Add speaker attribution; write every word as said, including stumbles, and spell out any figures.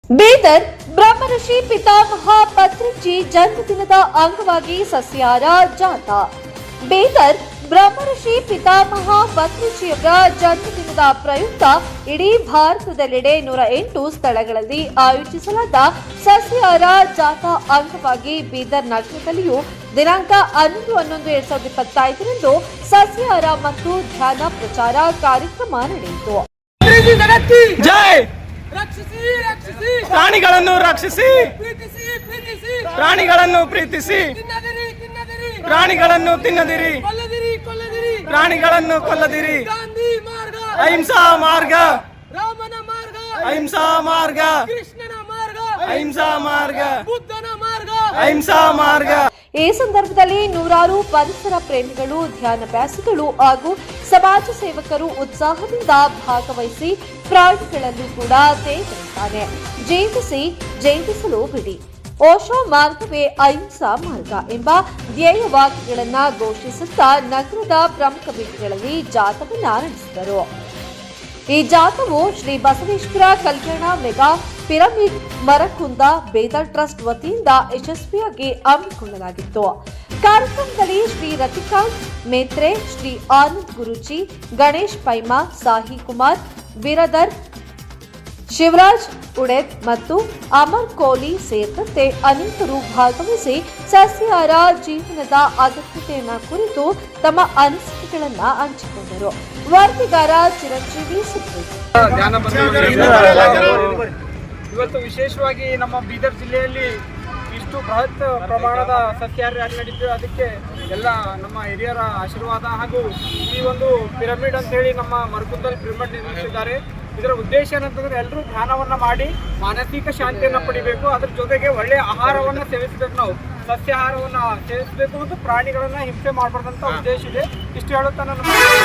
Speaker 1: ಬೀದರ್ ಬ್ರಹ್ಮರ್ಷಿ ಪಿತಾಮಹ ಪತ್ರಿಜಿ ಜನ್ಮದಿನದ ಅಂಗವಾಗಿ ಸಸ್ಯಾಹಾರ ಜಾಥಾ. ಬೀದರ್ ಬ್ರಹ್ಮರ್ಷಿ ಪಿತಾಮಹ ಪತ್ರಿಜಿಯವರ ಜನ್ಮದಿನದ ಪ್ರಯುಕ್ತ ಇಡೀ ಭಾರತದೆಲ್ಲೆಡೆ ನೂರ ಎಂಟು ಸ್ಥಳಗಳಲ್ಲಿ ಆಯೋಜಿಸಲಾದ ಸಸ್ಯಾಹಾರ ಜಾಥಾ ಅಂಗವಾಗಿ ಬೀದರ್ ನಗರದಲ್ಲಿಯೂ ದಿನಾಂಕ ಹನ್ನೊಂದು ಹನ್ನೊಂದು ಎರಡ್ ಸಾವಿರದ ಇಪ್ಪತ್ತೈದರಂದು ಸಸ್ಯಾಹಾರ ಮತ್ತು ಧ್ಯಾನ ಪ್ರಚಾರ ಕಾರ್ಯಕ್ರಮ ನಡೆಯಿತು.
Speaker 2: ಜೈ
Speaker 3: ರಕ್ಷಿಸಿ ರಕ್ಷಿಸಿ
Speaker 2: ಪ್ರಾಣಿಗಳನ್ನು ರಕ್ಷಿಸಿ
Speaker 3: ಪ್ರೀತಿಸಿ ಪ್ರೀತಿಸಿ
Speaker 2: ಪ್ರಾಣಿಗಳನ್ನು ಪ್ರೀತಿಸಿ
Speaker 3: ತಿನ್ನದಿರಿ ತಿನ್ನದಿರಿ
Speaker 2: ಪ್ರಾಣಿಗಳನ್ನು ತಿನ್ನದಿರಿ
Speaker 3: ಕೊಲ್ಲದಿರಿ ಕೊಲ್ಲದಿರಿ
Speaker 2: ಪ್ರಾಣಿಗಳನ್ನು ಕೊಲ್ಲದಿರಿ
Speaker 3: ಗಾಂಧಿ ಮಾರ್ಗ
Speaker 2: ಅಹಿಂಸಾ ಮಾರ್ಗ
Speaker 3: ರಾಮನ ಮಾರ್ಗ
Speaker 2: ಅಹಿಂಸಾ ಮಾರ್ಗ
Speaker 3: ಕೃಷ್ಣನ ಮಾರ್ಗ
Speaker 2: ಅಹಿಂಸಾ ಮಾರ್ಗ
Speaker 3: ಬುದ್ಧನ ಮಾರ್ಗ
Speaker 2: ಅಹಿಂಸಾ ಮಾರ್ಗ.
Speaker 1: ಈ ಸಂದರ್ಭದಲ್ಲಿ ನೂರಾರು ಪರಿಸರ ಪ್ರೇಮಿಗಳು, ಧ್ಯಾನಾಭ್ಯಾಸಿಗಳು ಹಾಗೂ ಸಮಾಜ ಸೇವಕರು ಉತ್ಸಾಹದಿಂದ ಭಾಗವಹಿಸಿ ಪ್ರಾಣಿಗಳನ್ನು ಕೂಡ ತೇಜರಿದ್ದಾರೆ. ಜೀವಿಸಿ ಜೀವಿಸಲು ಬಿಡಿ, ಓಶೋ ಮಾರ್ಗವೇ ಅಹಿಂಸಾ ಮಾರ್ಗ ಎಂಬ ಧ್ಯೇಯ ವಾಕ್ಯಗಳನ್ನು ಘೋಷಿಸುತ್ತಾ ನಗರದ ಪ್ರಮುಖ ಬೀದಿಗಳಲ್ಲಿ ಜಾಥಾವನ್ನು ನಡೆಸಿದರು. ಈ ಜಾಥಾವು Shri Basaveshwara Kalyana mega pyramid Marakunda Bidar trust ವತಿಯಿಂದ ಯಶಸ್ವಿಯಾಗಿ ಹಮ್ಮಿಕೊಳ್ಳಲಾಗಿತ್ತು. ಕಾರ್ಯಕ್ರಮದಲ್ಲಿ ಶ್ರೀ ರತಿಕಾಂತ್ ಮೇತ್ರೆ, ಶ್ರೀ ಆನಂದ್ ಗುರುಜಿ, ಗಣೇಶ್ ಪೈಮಾ, ಸಾಹಿ ಕುಮಾರ್ ಬಿರದರ್, ಶಿವರಾಜ್ ಉಡೆದ್ ಮತ್ತು ಅಮರ್ ಕೋಹ್ಲಿ ಸೇರಿದಂತೆ ಅನೇಕರು ಭಾಗವಹಿಸಿ ಸಸ್ಯಾಹಾರ ಜೀವನದ ಅಗತ್ಯತೆಯನ್ನು ಕುರಿತು ತಮ್ಮ ಅನಿಸಿಕೆಗಳನ್ನು ಹಂಚಿಕೊಂಡರು. ವರದಿಗಾರ ಚಿರಂಜೀವಿ ಸುದ್ದಿ.
Speaker 4: ಇವತ್ತು ವಿಶೇಷವಾಗಿ ನಮ್ಮ ಬೀದರ್ ಜಿಲ್ಲೆಯಲ್ಲಿ ಇಷ್ಟು ಬೃಹತ್ ಪ್ರಮಾಣದ ಸಸ್ಯಾಹಾರಿ ರ್ಯಾಲಿ ನಡೀತು. ಅದಕ್ಕೆ ಎಲ್ಲ ನಮ್ಮ ಹಿರಿಯರ ಆಶೀರ್ವಾದ ಹಾಗೂ ಈ ಒಂದು ಪಿರಮಿಡ್ ಅಂತ ಹೇಳಿ ನಮ್ಮ ಮರಕುಂದಲ್ಲಿ ಪಿರಮಿಡ್ ನಿರ್ಮಿಸಿದ್ದಾರೆ. ಇದರ ಉದ್ದೇಶ ಏನಂತಂದ್ರೆ ಎಲ್ಲರೂ ಧ್ಯಾನವನ್ನ ಮಾಡಿ ಮಾನಸಿಕ ಶಾಂತಿಯನ್ನು ಪಡಿಬೇಕು. ಅದ್ರ ಜೊತೆಗೆ ಒಳ್ಳೆಯ ಆಹಾರವನ್ನು ಸೇವಿಸಬೇಕು, ನಾವು ಸಸ್ಯಾಹಾರವನ್ನು ಸೇವಿಸಬೇಕು ಮತ್ತು ಪ್ರಾಣಿಗಳನ್ನ ಹಿಂಸೆ ಮಾಡಬಾರ್ದಂತ ಉದ್ದೇಶ ಇದೆ. ಇಷ್ಟು ಹೇಳುತ್ತಾ ನನ್ನ